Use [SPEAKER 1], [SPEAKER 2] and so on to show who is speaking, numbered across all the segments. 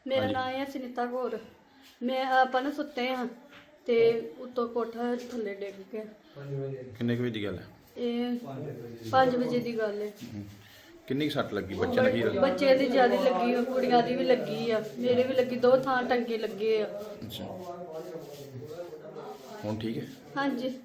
[SPEAKER 1] ਮੇਰਾ ਨਾਮ ਹੈ ਸੁਨੀਤਾ ਕੌਰ। ਮੈਂ ਆਪਾਂ ਨਾ ਸੁੱਤੇ ਹਾਂ ਤੇ ਉੱਤੋਂ ਕੋਠਾ ਥੱਲੇ ਡਿੱਗ ਗਿਆ।
[SPEAKER 2] ਕਿੰਨੇ ਕੁ ਵਜੇ ਦੀ ਗੱਲ ਹੈ?
[SPEAKER 1] ਇਹ 5 ਵਜੇ ਦੀ ਗੱਲ ਹੈ।
[SPEAKER 2] ਕਿੰਨੀ ਕੁ ਸੱਟ ਲੱਗੀ ਬੱਚੇ ਨੂੰ? ਕੀ
[SPEAKER 1] ਬੱਚੇ ਦੀ ਜ਼ਿਆਦਾ ਲੱਗੀ ਆ, ਕੁੜੀਆਂ ਦੀ ਵੀ ਲੱਗੀ ਆ, ਮੇਰੇ ਵੀ ਲੱਗੀ, 2 ਥਾਂ ਟੰਗੇ ਲੱਗੇ ਆ।
[SPEAKER 2] ਅੱਛਾ, ਹੁਣ ਠੀਕ ਹੈ?
[SPEAKER 1] ਹਾਂਜੀ।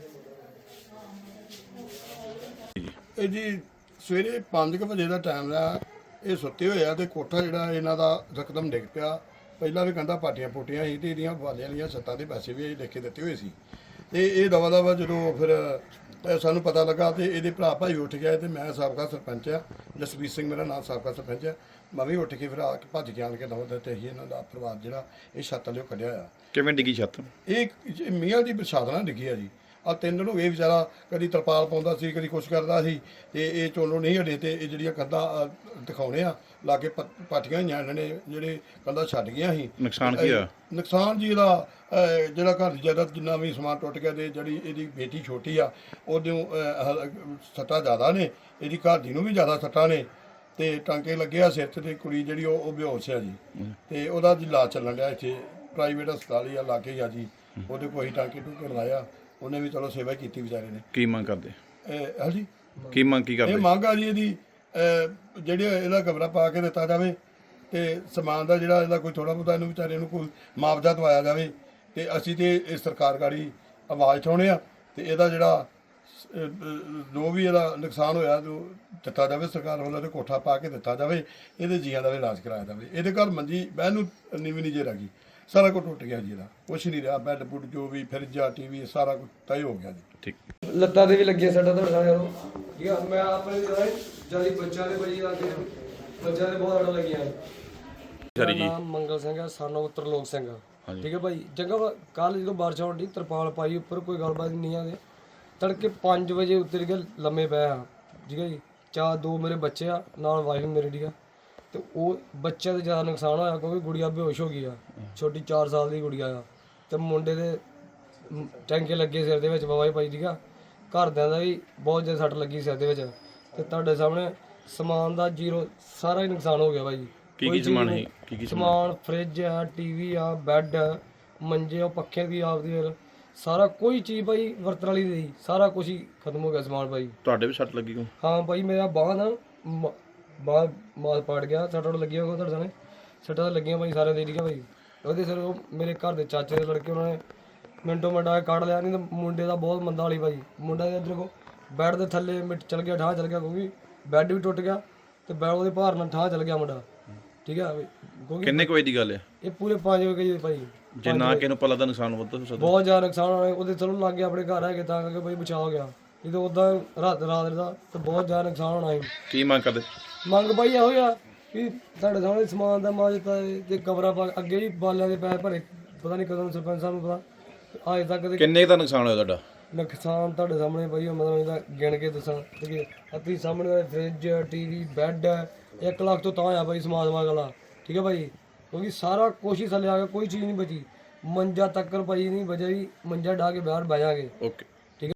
[SPEAKER 3] ਇਹ ਜੀ ਸਵੇਰੇ 5 ਵਜੇ ਦਾ ਟਾਈਮ ਆ। ਇਹ ਸੁੱਤੇ ਹੋਏ ਆ ਤੇ ਕੋਠਾ ਜਿਹੜਾ ਇਹਨਾਂ ਦਾ ਰਕਦਮ ਡਿੱਗ ਪਿਆ। ਪਹਿਲਾਂ ਵੀ ਕਹਿੰਦਾ ਪਾਟੀਆਂ ਪੋਟੀਆਂ ਸੀ ਤੇ ਇਹਦੀਆਂ ਵਾਲਿਆਂ ਵਾਲੀਆਂ ਛੱਤਾਂ ਦੇ ਪੈਸੇ ਵੀ ਅਸੀਂ ਲਿਖ ਕੇ ਦਿੱਤੇ ਹੋਏ ਸੀ। ਤੇ ਇਹ ਦਵਾ ਦਵਾ ਜਦੋਂ ਫਿਰ ਸਾਨੂੰ ਪਤਾ ਲੱਗਾ ਤੇ ਇਹਦੇ ਭਰਾ ਭਾਈ ਉੱਠ ਗਿਆ ਤੇ ਮੈਂ ਸਾਬਕਾ ਸਰਪੰਚ ਆ, ਜਸਵੀਰ ਸਿੰਘ ਮੇਰਾ ਨਾਮ, ਸਾਬਕਾ ਸਰਪੰਚ ਆ। ਮੈਂ ਵੀ ਉੱਠ ਕੇ ਫਿਰ ਆ ਕੇ ਭੱਜ ਕੇ ਆਣ ਕੇ ਦਵਾ ਦਿੱਤੇ ਅਸੀਂ ਇਹਨਾਂ ਦਾ ਪਰਿਵਾਰ ਜਿਹੜਾ ਇਹ ਛੱਤ ਲਿਓ ਕੱਢਿਆ ਆ।
[SPEAKER 2] ਕਿਵੇਂ ਡਿੱਗੀ ਛੱਤ?
[SPEAKER 3] ਇਹ ਮੀਆਂ ਦੀ ਪ੍ਰਸ਼ਾਦ ਨਾਲ ਡਿੱਗੀ ਆ ਜੀ। ਆ 3 ਦਿਨ ਹੋ ਗਏ ਵਿਚਾਰਾ ਕਦੀ ਤਰਪਾਲ ਪਾਉਂਦਾ ਸੀ, ਕਦੀ ਕੁਛ ਕਰਦਾ ਸੀ ਤੇ ਇਹ ਚੋਲੋ ਨਹੀਂ ਹਟੇ ਤੇ ਇਹ ਜਿਹੜੀਆਂ ਕੰਧਾਂ ਦਿਖਾਉਣੇ ਆ ਲਾਗੇ ਪਾਟੀਆਂ ਹੋਈਆਂ ਇਹਨਾਂ ਨੇ, ਜਿਹੜੇ ਕੰਧਾਂ ਛੱਡ ਗਈਆਂ ਸੀ।
[SPEAKER 2] ਨੁਕਸਾਨ ਕੀ ਹੋਇਆ?
[SPEAKER 3] ਨੁਕਸਾਨ ਜੀ ਇਹਦਾ ਜਿਹੜਾ ਘਰ ਦੀ ਜਾਇਦਾਦ ਜਿੰਨਾ ਵੀ ਸਮਾਨ ਟੁੱਟ ਗਿਆ ਤੇ ਜਿਹੜੀ ਇਹਦੀ ਬੇਟੀ ਛੋਟੀ ਆ ਉਹਦੇ ਸੱਟਾਂ ਜ਼ਿਆਦਾ ਨੇ, ਇਹਦੀ ਘਰ ਦੀ ਨੂੰ ਵੀ ਜ਼ਿਆਦਾ ਸੱਟਾਂ ਨੇ ਤੇ ਟਾਂਕੇ ਲੱਗੇ ਆ ਸਿਰ 'ਚ ਤੇ ਕੁੜੀ ਜਿਹੜੀ ਉਹ ਬੇਹੋਸ਼ ਆ ਜੀ। ਤੇ ਉਹਦਾ ਜੀ ਇਲਾਜ ਚੱਲਣ ਡਿਆ ਇੱਥੇ ਪ੍ਰਾਈਵੇਟ ਹਸਪਤਾਲ ਹੀ ਆ ਲਾਗੇ ਹੀ ਆ ਜੀ। ਉਹਦੇ ਕੋਈ ਟਾਂਕੇ ਟੂਕੇ ਲਾਇਆ, ਉਹਨੇ ਵੀ ਚਲੋ ਸੇਵਾ ਕੀਤੀ ਵਿਚਾਰੇ ਨੇ।
[SPEAKER 2] ਕੀ ਮੰਗ ਕਰਦੇ?
[SPEAKER 3] ਹਾਂਜੀ,
[SPEAKER 2] ਕੀ ਮੰਗ ਕੀ ਕਰਦੇ?
[SPEAKER 3] ਇਹ ਮੰਗ ਆ ਜੀ ਇਹਦੀ ਜਿਹੜੇ ਇਹਦਾ ਕਮਰਾ ਪਾ ਕੇ ਦਿੱਤਾ ਜਾਵੇ ਤੇ ਸਮਾਨ ਦਾ ਜਿਹੜਾ ਇਹਦਾ ਕੋਈ ਥੋੜਾ ਬਹੁਤਾ ਇਹਨੂੰ ਵਿਚਾਰੇ ਨੂੰ ਕੋਈ ਮੁਆਵਜ਼ਾ ਦਵਾਇਆ ਜਾਵੇ। ਤੇ ਅਸੀਂ ਤੇ ਇਹ ਸਰਕਾਰ ਗਾੜੀ ਆਵਾਜ਼ ਉਠਾਉਣੇ ਆ ਤੇ ਇਹਦਾ ਜਿਹੜਾ ਜੋ ਵੀ ਇਹਦਾ ਨੁਕਸਾਨ ਹੋਇਆ ਦਿੱਤਾ ਜਾਵੇ ਸਰਕਾਰ ਵੱਲੋਂ, ਤੇ ਕੋਠਾ ਪਾ ਕੇ ਦਿੱਤਾ ਜਾਵੇ, ਇਹਦੇ ਜੀਆਂ ਦਾ ਵੀ ਇਲਾਜ ਕਰਾਇਆ ਜਾਵੇ। ਇਹਦੇ ਘਰ ਮੰਜੀ ਬਹਿਣ ਨੂੰ ਨੀਵੀਂ ਨਹੀਂ ਜੇ ਰਹਿ ਗਈ, ਸਾਰਾ ਕੁਝ ਟੁੱਟ ਗਿਆ ਜੀ, ਇਹਦਾ ਕੁਛ ਨਹੀਂ ਰਿਹਾ। ਬੈੱਡ ਬੁੱਡ ਜੋ ਵੀ ਫਰਿੱਜਾ ਟੀਵੀ ਸਾਰਾ ਕੁਝ ਤੈਅ ਹੋ ਗਿਆ ਜੀ।
[SPEAKER 2] ਠੀਕ।
[SPEAKER 4] ਲੱਤਾਂ ਦੇ ਵੀ ਲੱਗੀਆਂ ਸਾਡਾ ਤੁਹਾਡਾ ਯਾਰੋ ਠੀਕ ਆ। ਮੈਂ ਆਪਣੇ ਜਿਆਦਾ ਬੱਚਿਆਂ ਦੇ ਬੜੀ ਲੱਗੇ, ਬੱਚਿਆਂ ਦੇ ਬਹੁਤ ਅੜ ਲੱਗੀਆਂ।
[SPEAKER 2] ਸਰੀ ਜੀ,
[SPEAKER 4] ਨਾਮ ਮੰਗਲ ਸਿੰਘ ਹੈ, ਸਾਨੂੰ ਤਰਲੋਕ ਸਿੰਘ ਠੀਕ ਹੈ ਭਾਈ। ਜਗ੍ਹਾ ਕੱਲ ਜਦੋਂ ਬਾਰਿਸ਼ ਹੋਣ ਦੀ ਤਰਪਾਲ ਪਾਈ ਉੱਪਰ, ਕੋਈ ਗੱਲਬਾਤ ਨਹੀਂ ਆਦੇ। ਤੜਕੇ 5 ਵਜੇ ਉੱਤਰ ਕੇ ਲੰਮੇ ਪਏ ਆ ਠੀਕ ਹੈ ਜੀ। 2 ਮੇਰੇ ਬੱਚੇ ਆ ਨਾਲ ਵਾਈਫ ਮੇਰੀ ਠੀਕ ਆ। ਤੇ ਉਹ ਬੱਚਿਆਂ ਦਾ ਜ਼ਿਆਦਾ ਨੁਕਸਾਨ ਹੋਇਆ ਕਿਉਂਕਿ ਗੁੜੀਆ ਬੇਹੋਸ਼ ਹੋ ਗਈ ਆ, ਛੋਟੀ 4 ਸਾਲ ਦੀ ਗੁੜੀਆ ਆ। ਤੇ ਮੁੰਡੇ ਦੇ ਟੈਂਕੇ ਲੱਗੇ ਸਿਰ ਦੇ ਵਿੱਚ ਬਾਬਾ ਭਾਈ ਠੀਕ ਆ। ਘਰਦਿਆਂ ਦਾ ਵੀ ਬਹੁਤ ਜ਼ਿਆਦਾ ਸੱਟ ਲੱਗੀ ਸਿਰ ਦੇ ਵਿੱਚ। ਤੇ ਤੁਹਾਡੇ ਸਾਹਮਣੇ ਸਮਾਨ ਦਾ ਜ਼ੀਰੋ ਸਾਰਾ ਹੀ ਨੁਕਸਾਨ ਹੋ ਗਿਆ ਭਾਈ।
[SPEAKER 2] ਕੀ ਸਮਾਨ ਹੈ? ਕੀ
[SPEAKER 4] ਸਮਾਨ ਫਰਿੱਜ ਆ, ਟੀਵੀ ਆ, ਬੈੱਡ, ਮੰਜੇ, ਉਹ ਪੱਖੇ ਦੀ ਆਪਦੀ ਸਾਰਾ ਕੋਈ ਚੀਜ਼ ਭਾਈ ਵਰਤਣ ਵਾਲੀ ਨਹੀਂ, ਸਾਰਾ ਕੁਝ ਹੀ ਖਤਮ ਹੋ ਗਿਆ ਸਮਾਨ ਭਾਈ।
[SPEAKER 2] ਤੁਹਾਡੇ ਵੀ ਸੱਟ ਲੱਗੀ ਕੋ?
[SPEAKER 4] ਹਾਂ ਭਾਈ, ਮੇਰਾ ਬਾਂਹ ਨਾ ਬਾਂਹ ਮਾਲ ਪਾੜ ਗਿਆ, ਸੱਟਾਂ ਲੱਗੀਆਂ ਹੋਗਾ ਤੁਹਾਡੇ ਸਾਹਮਣੇ, ਸੱਟਾਂ ਲੱਗੀਆਂ ਭਾਈ ਸਾਰਿਆਂ ਦੇ ਠੀਕ ਆ ਭਾਈ। ਉਹਦੇ ਸਿਰ ਉਹ ਮੇਰੇ ਘਰ ਦੇ ਚਾਚੇ ਦੇ ਲੜਕੇ ਉਹਨਾਂ ਨੇ ਮਿੰਟੋ ਮਿੰਟਾ ਕੱਢ ਲਿਆ, ਨਹੀਂ ਤਾਂ ਮੁੰਡੇ ਦਾ ਬਹੁਤ ਮੰਦਾ ਵਾਲੀ ਭਾਈ। ਮੁੰਡਾ ਦੇ ਇੱਧਰ ਕੋ ਬੈੱਡ ਦੇ ਥੱਲੇ ਮਿੱਟ ਚਲ ਗਿਆ, ਠਾਹ ਚਲ ਗਿਆ ਕਿਉਂਕਿ ਬੈੱਡ ਵੀ ਟੁੱਟ ਗਿਆ ਤੇ ਬੈੱਡ ਉਹਦੇ ਭਾਰ ਨਾਲ ਠਾਹ ਚਲ ਗਿਆ ਮੁੰਡਾ ਠੀਕ ਆ।
[SPEAKER 2] ਕਿੰਨੇ ਕੁ ਵਜੇ ਦੀ ਗੱਲ ਹੈ?
[SPEAKER 4] ਇਹ ਪੂਰੇ 5 ਵਜੇ ਭਾਈ।
[SPEAKER 2] ਜੇ ਨਾ ਕਿਸੇ ਨੂੰ ਪਤਾ ਦਾ ਨੁਕਸਾਨ ਵੱਧ ਸਕਦਾ?
[SPEAKER 4] ਬਹੁਤ ਜ਼ਿਆਦਾ ਨੁਕਸਾਨ ਹੋਇਆ। ਉਹਦੇ ਚਲੋ ਲੱਗ ਗਿਆ ਆਪਣੇ ਘਰ ਹੈਗੇ ਤਾਂ ਕਰਕੇ ਭਾਈ ਬਚਾ ਹੋ ਗਿਆ, ਇਹ ਤਾਂ ਉਦਾਂ ਰਾਤ ਦਾ ਤਾਂ ਬਹੁਤ ਜ਼ਿਆਦਾ ਨੁਕਸਾਨ ਹੋਣਾ ਸੀ।
[SPEAKER 2] ਕੀ ਮੰਗ ਕਰਦੇ?
[SPEAKER 4] ਮੰਗ ਭਾਈ ਇਹੋ ਆ ਵੀ ਤੁਹਾਡੇ ਸਾਹਮਣੇ ਸਮਾਨ ਦਾ ਮਾਜਤਾ ਤੇ ਕਬਰਾਂ ਪਾ ਅੱਗੇ ਵੀ ਬਾਲਿਆਂ ਦੇ ਪੈਸੇ ਭਰੇ, ਪਤਾ ਨਹੀਂ ਕਦੋਂ ਸਰਪੰਚ ਸਾਹਿਬ ਨੂੰ ਪਤਾ ਅਜੇ ਤੱਕ।
[SPEAKER 2] ਕਿੰਨੇ ਦਾ ਨੁਕਸਾਨ ਹੋਇਆ ਤੁਹਾਡਾ?
[SPEAKER 4] ਨੁਕਸਾਨ ਤੁਹਾਡੇ ਸਾਹਮਣੇ ਭਾਈ ਮਤਲਬ ਇਹਦਾ ਗਿਣ ਕੇ ਦੱਸਾਂ ਕਿ ਅੱਤੀ ਸਾਹਮਣੇ ਫਰਿੱਜ, ਟੀਵੀ, ਬੈੱਡ 1 ਲੱਖ ਤੋਂ ਤਾਂ ਆ ਭਾਈ ਸਮਾਨ ਵਾਲਾ ਠੀਕ ਹੈ ਭਾਈ। ਕਿਉਂਕਿ ਸਾਰਾ ਕੁਛ ਹੀ ਥੱਲੇ ਆ ਗਿਆ, ਕੋਈ ਚੀਜ਼ ਨਹੀਂ ਬਚੀ। ਮੰਜਾ ਤੱਕਰ ਭਾਈ ਨਹੀਂ ਬਚਿਆ ਜੀ, ਮੰਜਾ ਢਾ ਕੇ ਬਾਹਰ ਬਹਿ ਜਾਗੇ।
[SPEAKER 2] ਓਕੇ।